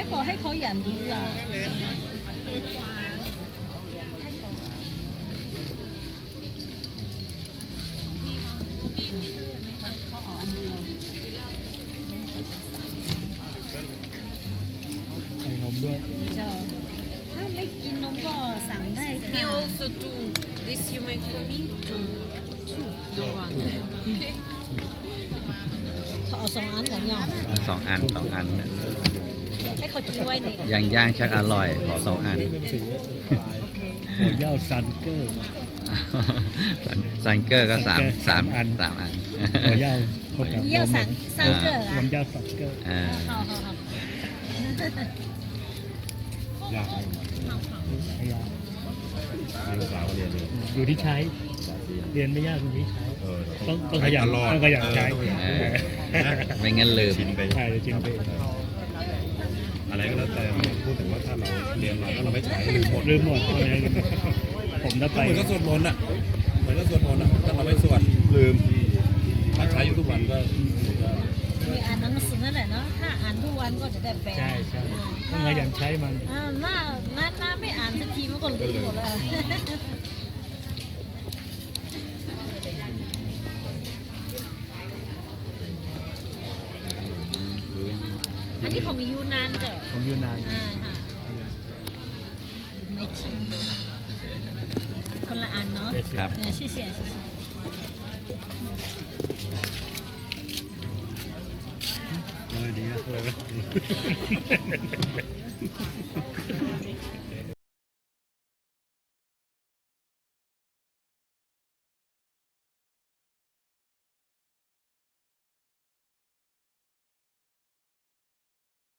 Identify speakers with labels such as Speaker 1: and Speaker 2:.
Speaker 1: บอกให้เขาอย่างนี้อ่ะ
Speaker 2: ใส่นมด้วย
Speaker 1: เจ้าถ้าไม่กินนมก็สั่งได้ค่ะ
Speaker 3: You also do this you make for me? Don't want.
Speaker 1: เขาเอา2 อันกันยัง
Speaker 4: สองอันเนี่ย
Speaker 1: ให้เขาช่วยนี่
Speaker 4: ย่างชักอร่อยขอ2 อัน
Speaker 2: หัวย่าซันเกอร์
Speaker 4: ซันเกอร์ก็สาม
Speaker 2: สามอัน
Speaker 4: อัน
Speaker 2: หัวย่าเข้ากับ
Speaker 1: เยี่ยวสังเกอร์
Speaker 2: หั
Speaker 1: อ่ะ
Speaker 2: วย่าซันเกอร์
Speaker 4: อ่า
Speaker 1: เขา
Speaker 2: ยากไม่ยาก
Speaker 5: ลูกสาวเรียนเลย
Speaker 2: อยู่ที่ใช้ เรียนไม่ยากอยู่ที่ใช้ ต้องขยัน
Speaker 5: ตลอด
Speaker 2: ต้องขยันใช้
Speaker 4: ไม่งั้นลืม
Speaker 5: ชินไป
Speaker 2: ใช่จริงไป
Speaker 5: อะไรก็แล้วแต่พูดถึงว่าถ้าเราเรียนมาแล้วเราไม่ใช้ลืมหมด
Speaker 2: ลืมหมดผมถ้าไป
Speaker 5: เหมือนก็สวดมนต์อ่ะเหมือนก็สวดมนต์อ่ะถ้าเราไม่สวดลืมถ้าใช้อยู่ทุกวันก็
Speaker 1: มีอ่านหนังสือนั่นแหละเนาะถ้าอ่านทุกวันก็จะได้แปล
Speaker 2: ใช่ต้องขยันใช้มัน
Speaker 1: หน้าไม่อ่านสักทีมันก็ลืมหมดแล้วอันนี้ของยูนานเจ้ะ
Speaker 2: ผมอยู่นาน
Speaker 1: ค่ะไม่ชิมคนละอันเนาะ
Speaker 4: ครับ
Speaker 1: 谢谢谢谢
Speaker 5: ดีนะ